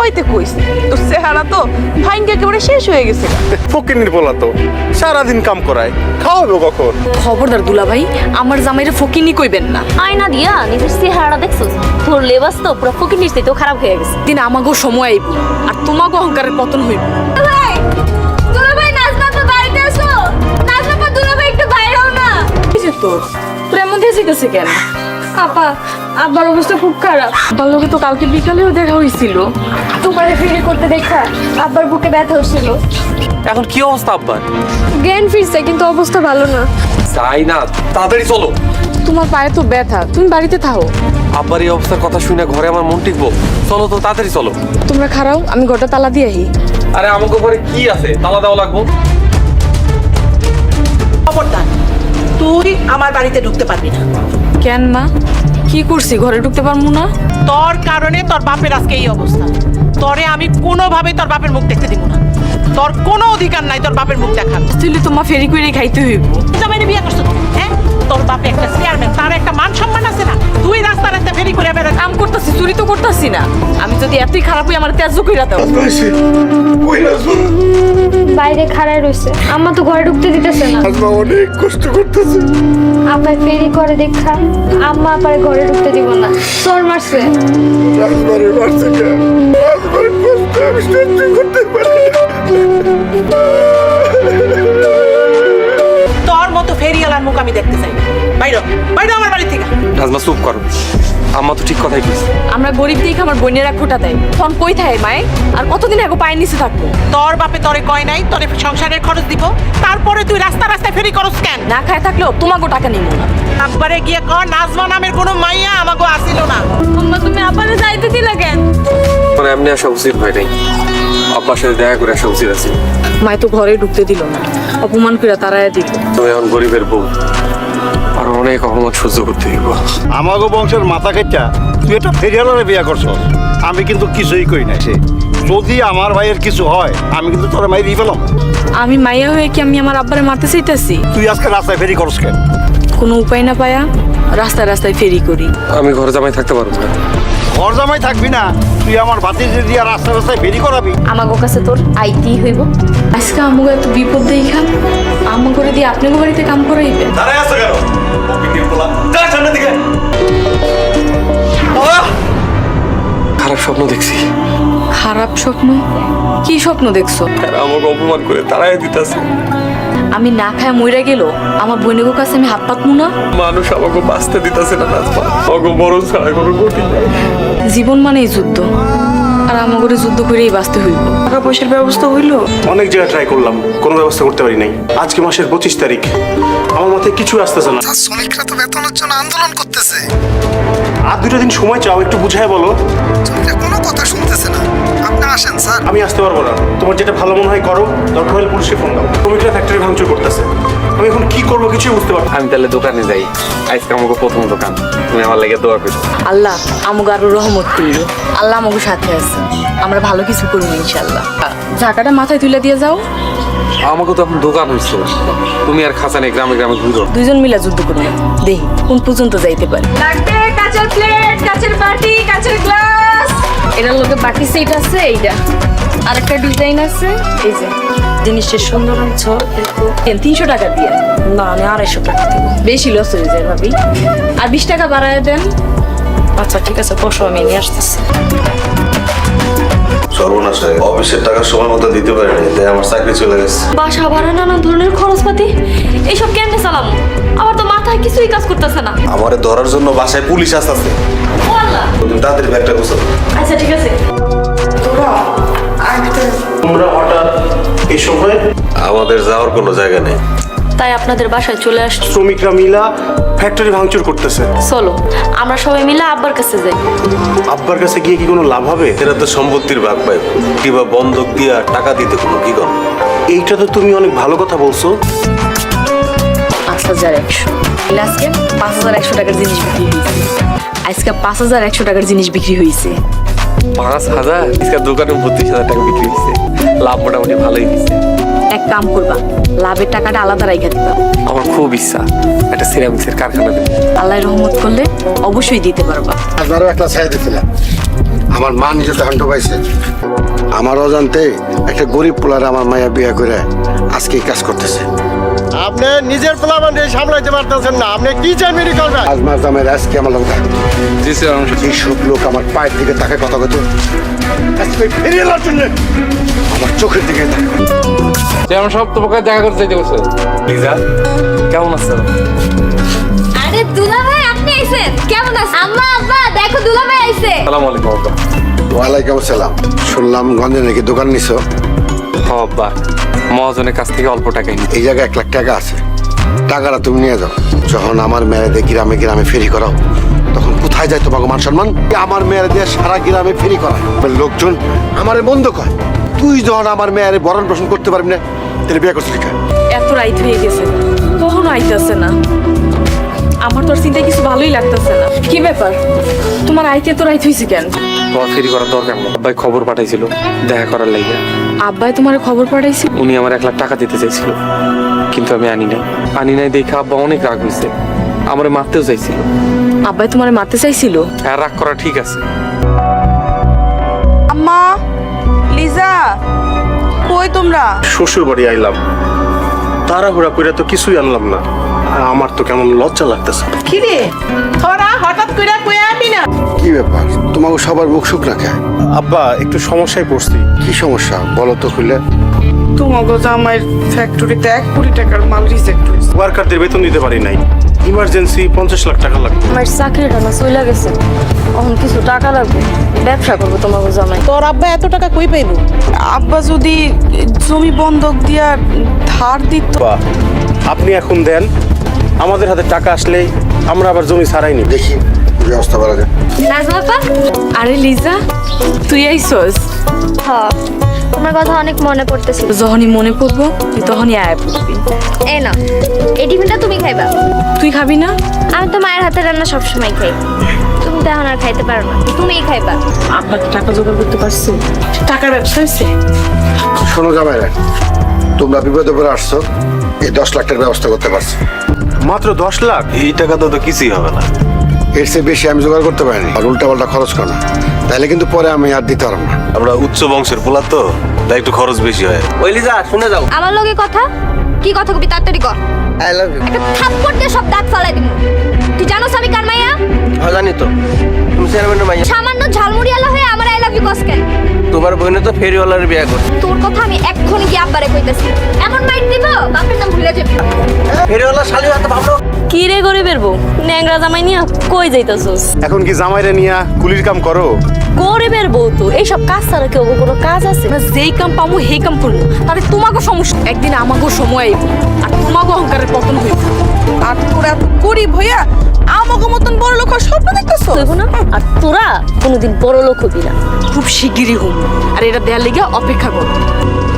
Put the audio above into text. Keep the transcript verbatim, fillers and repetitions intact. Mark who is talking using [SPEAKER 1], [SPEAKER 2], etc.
[SPEAKER 1] খাওয়াইতে কইস তোর চেহারা তো ভাইঙ্গে একেবারে শেষ হয়ে গেছে।
[SPEAKER 2] ফকিনির পোলা তো সারাদিন কাম করায়, খাওয়াবে কখন?
[SPEAKER 1] খবরদার দুলা ভাই, আমার জামাইরে ফকিনি কইবেন না।
[SPEAKER 3] আয়না দিয়া নিজের চেহারাটা দেখছস? তোর লেবাস তো পুরো ফকির নিশ্চয়ই তো খারাপ হয়ে গেছে।
[SPEAKER 1] দিন আমাগো সময় আইব আর তোমাগো অহংকারের পতন হইব।
[SPEAKER 3] ভাই দুলা ভাই নাজমা তো বাড়িতে আসো। নাজমা দুলা ভাই একটু বাইরে হও না।
[SPEAKER 1] কি যে তোর তোর এমন দিয়ে গেছে কেন?
[SPEAKER 3] আপা আব্বার অবস্থা খুব খারাপ।
[SPEAKER 1] তার লগে তো কালকে বিকালেও দেখা হয়েছিল।
[SPEAKER 3] তোমার ফিরে করতে দেখা আব্বার বুকে ব্যথা হচ্ছিল।
[SPEAKER 4] এখন কি অবস্থা আব্বার?
[SPEAKER 3] জ্ঞান ফিরছে কিন্তু অবস্থা ভালো না।
[SPEAKER 4] যাই না, তাড়াতাড়ি চলো।
[SPEAKER 1] তোমার পায়ে তো ব্যথা, তুমি বাড়িতে থাকো।
[SPEAKER 4] আব্বার এই অবস্থার কথা শুনে ঘরে আমার মন টিকবো? চলো তো, তাড়াতাড়ি চলো।
[SPEAKER 1] তোমরা খারাও, আমি ঘরটা তালা দিয়ে আহি।
[SPEAKER 4] আরে আমাকে ঘরে কি আছে, তালা দেওয়া লাগবো?
[SPEAKER 5] খবরদার, তুই আমার বাড়িতে ঢুকতে পারবি না।
[SPEAKER 1] কেন মা, কি করছি ঘরে ঢুকতে পারবো না?
[SPEAKER 5] তোর কারণে তোর বাপের আজকে এই অবস্থা। তোরে আমি কোনোভাবে তোর বাপের মুখ দেখতে দিব না। তোর কোনো অধিকার নাই তোর বাপের মুখ দেখার।
[SPEAKER 1] তুই তোমার ফেরি করে খাইতে হইব।
[SPEAKER 5] জামাইরে বিয়ে করছো তুই, হ্যাঁ? তোর বাপে একটা চেয়ারম্যান, তার একটা মান সম্মান আছে না? তুই রাস্তা রাস্তা ফেরি করে বেড়া।
[SPEAKER 1] কাম করতেছি, চুরি তো করতেছি না। আমি যদি এতই খারাপ হই, আমার তেজ কইরা দাও।
[SPEAKER 6] বাইরে খাড়ায় রইছে, আম্মা তো ঘরে ঢুকতে দিতেছে না।
[SPEAKER 2] আজমা অনেক কষ্ট করতেছে।
[SPEAKER 6] আব্বাই ফেরি করে দেখা আম্মা আপারে ঘরে ঢুকতে দিব না, চোর মারছে।
[SPEAKER 2] আজমারে মারছে কেন? আজমার কষ্ট আমি সহ্য করতে পারি না।
[SPEAKER 5] তোর মতো ফেরিওয়ালার মুখ আমি দেখতে চাই না। বাইরে বাইরে আমার বাড়ি থেকে।
[SPEAKER 4] নাজমা চুপ করো, আম্মা তো ঠিক কথাই কইছে।
[SPEAKER 1] আমরা গরিব দেখে আমার বোনেরা খোটা দেয়, তখন কই থাকে মায়ে? আর কতদিন আগে পায়ের নিচে থাকবো?
[SPEAKER 5] তোর বাপে তোরে কয় নাই তোরে সংসারের খরচ দিব, তারপরে তুই রাস্তা রাস্তায় ফেরি করস কেন?
[SPEAKER 1] না খায় থাকলেও তোমাকে টাকা নিব না।
[SPEAKER 5] একবারে গিয়ে কর নাজমা নামের কোনো মাইয়া আমাকে আসিল না।
[SPEAKER 1] আম্মা তুমি আপারে যাইতে দিলা কেন?
[SPEAKER 4] মানে এমনি আসা উচিত হয় নাই, আব্বার সাথে দেখা করে আসা উচিত আছে।
[SPEAKER 1] মায় তো ঘরে ঢুকতে দিল না, অপমান করে তারায় দিল।
[SPEAKER 4] তুমি এখন গরিবের বউ, আর অনেক অপমান সহ্য করতে দিব।
[SPEAKER 2] আমাগো বংশের মাথা কেটটা তুই একটা ফেরিয়ালারে বিয়া করছো। আমি কিন্তু কিছুই কই নাই। সে যদি আমার ভাইয়ের কিছু হয়, আমি কিন্তু তোর মাই দিয়ে পেলাম।
[SPEAKER 1] আমি মাইয়া হয়ে কি আমি আমার আব্বারে মারতে চাইতেছি?
[SPEAKER 2] তুই আজকে রাস্তায় ফেরি করস কেন?
[SPEAKER 1] কোনো উপায় না পায়া রাস্তায় রাস্তায় ফেরি করি।
[SPEAKER 4] আমি ঘরে জামাই থাকতে পারবো না।
[SPEAKER 2] ঘর জামাই থাকবি না, তুই আমার ভাতিজে দিয়া রাস্তায় রাস্তায় ফেরি করাবি।
[SPEAKER 3] আমাগো কাছে তোর আইতি হইব।
[SPEAKER 1] আজকে আমাকে এত বিপদ দেখা আমা করে দিয়ে আপনাকে বাড়িতে কাম করাইবে?
[SPEAKER 2] দাঁড়ায় আছো কেন? ফকিনির পোলা, যা সামনের দিকে।
[SPEAKER 4] খারাপ স্বপ্ন দেখছি।
[SPEAKER 1] খারাপ স্বপ্ন? কি স্বপ্ন দেখছো?
[SPEAKER 4] তারা আমাকে অপমান করে তারাই দিতেছে।
[SPEAKER 1] আমি না খায় মইরা গেল আমার বোনের কাছে আমি হাত পাতমু না?
[SPEAKER 4] মানুষ আমাকে বাঁচতে দিতেছে না নাজমা, আমাকে বড় ছাড়া কোনো গতি নাই।
[SPEAKER 1] জীবন মানেই যুদ্ধ, আর আমাকে যুদ্ধ করেই বাঁচতে হইব। টাকা পয়সার ব্যবস্থা হইলো?
[SPEAKER 2] অনেক জায়গায় ট্রাই করলাম, কোনো ব্যবস্থা করতে পারি নাই। আজকে মাসের পঁচিশ তারিখ, আমার মাথায় কিছু আসতেছে না।
[SPEAKER 7] শ্রমিকরা তো বেতনের জন্য আন্দোলন করতেছে।
[SPEAKER 2] আর দুটো দিন সময় চাও, একটু বুঝায় বলো।
[SPEAKER 7] শ্রমিকরা কোনো কথা শুনতেছে না। আপনি আসেন স্যার।
[SPEAKER 2] আমি আসতে পারবো না, তোমার যেটা ভালো মনে হয় করো, দরকার হলে পুলিশে ফোন দাও। শ্রমিকরা ফ্যাক্টরি ভাঙচুর করতেছে, আমি এখন কি করবো কিছুই বুঝতে পারবো না।
[SPEAKER 4] আমি তাহলে দোকানে যাই, আজকে আমাকে প্রথম দোকান, তুমি আমার লাগে দোয়া করো।
[SPEAKER 1] আল্লাহ আমাকে আরো রহমত করিল। আল্লাহ আমাকে সাথে আছে, আমরা ভালো কিছু করবো ইনশাল্লাহ। ঝাঁকাটা মাথায় তুলে দিয়ে যাও।
[SPEAKER 4] আমাকে তো এখন দোকান হয়েছে, তুমি আর খাঁচা নেই গ্রামে গ্রামে ঘুরো।
[SPEAKER 1] দুইজন মিলা যুদ্ধ করবো, দেখি কোন পর্যন্ত যাইতে পারে।
[SPEAKER 3] লাগবে কাচের প্লেট, কাচের বাটি, কাচের গ্লাস।
[SPEAKER 1] এটার লোকে বাকি সেট আছে, এইটা আরেকটা ডিজাইন আছে। এই যে জিনিসটা সুন্দর হচ্ছে, তিনশো টাকা দিয়ে না, আমি আড়াইশো টাকা দেবো। বেশি লস হয়ে যায় ভাবি, আর বিশ টাকা বাড়ায় দেন। আচ্ছা ঠিক আছে, বসো, আমি নিয়ে আসতেছি।
[SPEAKER 8] সর্বনাশ, অফিসের টাকা সময় মতো দিতে পারিনি, তাই আমার চাকরি চলে গেছে।
[SPEAKER 3] বাসা ভাড়া, নানা ধরনের খরচপাতি, এইসব কেমনে চালামো? আমার তো মাথায় কিছুই কাজ করতেছে না।
[SPEAKER 8] আমারে ধরার জন্য বাসায় পুলিশ আসছে।
[SPEAKER 3] ও আল্লাহ।
[SPEAKER 8] তুমি তাড়াতাড়ি ব্যাগটা গোছাও।
[SPEAKER 3] আচ্ছা ঠিক আছে।
[SPEAKER 2] তোমরা হঠাৎ এই সময়?
[SPEAKER 8] আমাদের যাওয়ার কোনো জায়গা নেই,
[SPEAKER 3] তাই আপনাদের বাসায় চলে আসছি।
[SPEAKER 2] শ্রমিকরা মিলা ফ্যাক্টরি ভাঙচুর করতেছে।
[SPEAKER 3] চলো আমরা সবাই মিলে আব্বার কাছে যাই।
[SPEAKER 2] আব্বার কাছে গিয়ে কি কোনো লাভ হবে?
[SPEAKER 8] এরা তো সম্পত্তির ভাগ পাইব, কিংবা বন্ধক দিয়া টাকা দিতে কোনো কি কর।
[SPEAKER 2] এইটা তো তুমি অনেক ভালো কথা বলছো।
[SPEAKER 1] পাঁচ হাজার একশো আজকে পাঁচ হাজার একশো টাকার জিনিস বিক্রি হয়েছে। আজকে পাঁচ হাজার একশো টাকার জিনিস বিক্রি হয়েছে।
[SPEAKER 4] পাঁচ হাজার আজকে দোকানে বত্রিশ হাজার টাকা বিক্রি হয়েছে, লাভ মোটামুটি ভালোই দিচ্ছে।
[SPEAKER 1] এক কাম করবা, লাভের টাকাটা আলাদা রাইখা দিবা।
[SPEAKER 4] আমার খুব ইচ্ছা একটা সিরামিক্সের কারখানা দেবো।
[SPEAKER 1] আল্লাহ রহমত করলে অবশ্যই দিতে পারবা।
[SPEAKER 7] আপনারও একটা ছায়া দিছিলাম, আমার মা নিজে তখন পাইছে আমার অজান্তে একটা গরিব পোলারে আমার মায়া বিয়ে করে আজকে এই কাজ করতেছে।
[SPEAKER 2] আপনি নিজের প্লাবান সামলাইতে পারতেছেন না, আপনি কি চাই মেরি করবেন?
[SPEAKER 7] আজ মাস দামের আজকে আমার লোক
[SPEAKER 4] জি স্যার
[SPEAKER 7] এই সব লোক আমার পায়ের দিকে তাকে কথা কত আজকে ফিরিয়ে আনার জন্য আমার চোখের দিকে তাকায়।
[SPEAKER 4] চেয়ারম্যান সাহেব তোমাকে দেখা করতে চাইতে বলছে। লিজা কেমন আছো?
[SPEAKER 6] আরে দুলা ভাই আপনি আইছেন, কেমন আছেন? আম্মা আব্বা দেখো দুলা ভাই আইছে।
[SPEAKER 4] আসসালামু আলাইকুম আব্বা।
[SPEAKER 7] ওয়ালাইকুম আসসালাম। শুনলাম গঞ্জে নাকি দোকান নিছো।
[SPEAKER 4] হ আব্বা, মহাজনের কাছ থেকে অল্প টাকাই নি।
[SPEAKER 7] এই জায়গায় এক লাখ টাকা আছে, টাকাটা তুমি নিয়ে যাও। যখন আমার মেয়েদের গ্রামে গ্রামে ফেরি করাও তখন কোথায় যায় তোমাকে মান সম্মান? আমার মেয়ের দিয়ে সারা গ্রামে ফেরি করায় লোকজন আমারে বন্ধ কয়। তুই যখন আমার মেয়ের বরণ পোষণ করতে পারবি না তাহলে বিয়ে করছিস কেন?
[SPEAKER 1] এত রাইত হয়ে গেছে, কখনো আইতাছে না। আমার তোর চিন্তায় কিছু ভালোই লাগতেছে না। কি ব্যাপার, তোমার আইতে তো রাইত হয়েছে কেন?
[SPEAKER 4] তোমার ফেরি করার দরকার নেই। আব্বাই খবর পাঠাইছিল দেখা করার লাইগা।
[SPEAKER 1] আব্বাই তোমার খবর পাঠাইছে?
[SPEAKER 4] উনি আমার এক লাখ টাকা দিতে চাইছিল, কিন্তু আমি আনি নাই। আনি নাই দেখে আব্বা অনেক রাগ হয়েছে, আমার মারতেও চাইছিল।
[SPEAKER 1] আব্বাই তোমার মারতে চাইছিল?
[SPEAKER 4] হ্যাঁ, রাগ করা ঠিক আছে।
[SPEAKER 5] আম্মা, লিজা, কই তোমরা?
[SPEAKER 2] শ্বশুর বাড়ি আইলাম, তাড়াহুড়া করে তো কিছুই আনলাম না। আমার তো কেমন লজ্জা লাগতেছে।
[SPEAKER 5] কি রে তোরা হঠাৎ করে কই আবি না?
[SPEAKER 7] কি ব্যাপার, তোমাকে সবার মুখ শুক রাখে?
[SPEAKER 2] আব্বা একটু সমস্যায় পড়ছি।
[SPEAKER 7] কি সমস্যা বলো তো খুলে।
[SPEAKER 5] তোমাগো জামাইয়ের ফ্যাক্টরিতে এক কোটি টাকার মাল রিজেক্ট হয়েছে।
[SPEAKER 2] ওয়ার্কারদের বেতন দিতে পারি নাই, ইমার্জেন্সি পঞ্চাশ লাখ টাকা লাগবে।
[SPEAKER 1] আমার চাকরিটা না চলে গেছে, এখন কিছু টাকা লাগবে, ব্যবসা করবো তোমাকে জামাই।
[SPEAKER 5] তোর আব্বা এত টাকা কই পাইলো? আব্বা যদি জমি বন্ধক দিয়া ধার দিত।
[SPEAKER 2] আপনি এখন দেন, আমাদের হাতে টাকা আসলে আমরা আবার জমি ছাড়াই নি।
[SPEAKER 7] দেখি ব্যবস্থা করা যায়।
[SPEAKER 6] নাজমা আপা,
[SPEAKER 1] আরে লিজা, তুই আইসস?
[SPEAKER 6] হ্যাঁ তোমার কথা অনেক মনে পড়তেছিল।
[SPEAKER 1] যখনই মনে পড়বো তুই তখনই আয়া পড়বি।
[SPEAKER 6] এই না, এই টিফিনটা তুমি খাইবা।
[SPEAKER 1] তুই খাবি না?
[SPEAKER 6] আমি তো মায়ের হাতে রান্না সবসময় খাই, তুমি তো এখন আর খাইতে পারো না, তুমিই খাইবা।
[SPEAKER 1] আব্বা টাকা জোগাড় করতে পারছি?
[SPEAKER 5] টাকার ব্যবসা হয়েছে?
[SPEAKER 7] শোনো জামাইরা, তোমরা বিপদে পড়ে আসছো, এই দশ লাখ টাকার ব্যবস্থা করতে পারছি।
[SPEAKER 2] মাত্র দশ লাখ?
[SPEAKER 8] এই টাকা তো তো কিছুই হবে না।
[SPEAKER 7] এর চেয়ে বেশি আমি জোগাড় করতে পারিনি। আর উল্টা পাল্টা খরচ করো না, তাহলে কিন্তু পরে আমি আর দিতে পারবো না।
[SPEAKER 8] আমরা উচ্চ বংশের পোলা তো, তাই একটু খরচ বেশি হয়।
[SPEAKER 4] ওই লিজা শুনে যাও।
[SPEAKER 6] আমার লগে কথা কি কথা কবি তাড়াতাড়ি কর।
[SPEAKER 4] I love you.
[SPEAKER 6] একটা থাপ্পড় দিয়ে সব দাঁত ফালাই দিব। তুই জানোস আমি কার মাইয়া?
[SPEAKER 4] হ্যাঁ জানি তো, তুমি চেয়ারম্যানের মাইয়া।
[SPEAKER 6] সামান্য ঝালমুড়িয়ালা হয়ে আমার আই লাভ ইউ কস কেন?
[SPEAKER 4] তোমার বোনে তো ফেরিওয়ালার বিয়ে করছে।
[SPEAKER 6] তোর কথা আমি এক্ষুনি গিয়ে আব্বারে কইতেছি। এমন মাইট দিব বাপের নাম ভুলে যাবি।
[SPEAKER 4] ফেরিওয়ালা শালি হাতে ভাবলো।
[SPEAKER 3] কি রে গরিবের বউ, ন্যাংরা জামাই নিয়া কই যাইতাছস?
[SPEAKER 2] এখন কি জামাইরে নিয়া কুলির কাম করো?
[SPEAKER 3] গরিবের বউ তো এইসব কাজ ছাড়া কেউ কোনো কাজ আছে?
[SPEAKER 1] আমরা যেই কাম পামু সেই কাম করবো, তাহলে তোমাকে সমস্যা। একদিন আমাকেও সময় আইব, আর তোমাকে অহংকারের পতন হইব।
[SPEAKER 5] আর তোরা এত গরিব হইয়া আমাকে মতন বড় লোক হওয়ার স্বপ্ন দেখতেছো?
[SPEAKER 3] হইব না? আর তোরা কোনোদিন বড় লোক হবি না।
[SPEAKER 1] খুব শিগগিরই হুম, আর এটা দেয়ার লেগে অপেক্ষা করো।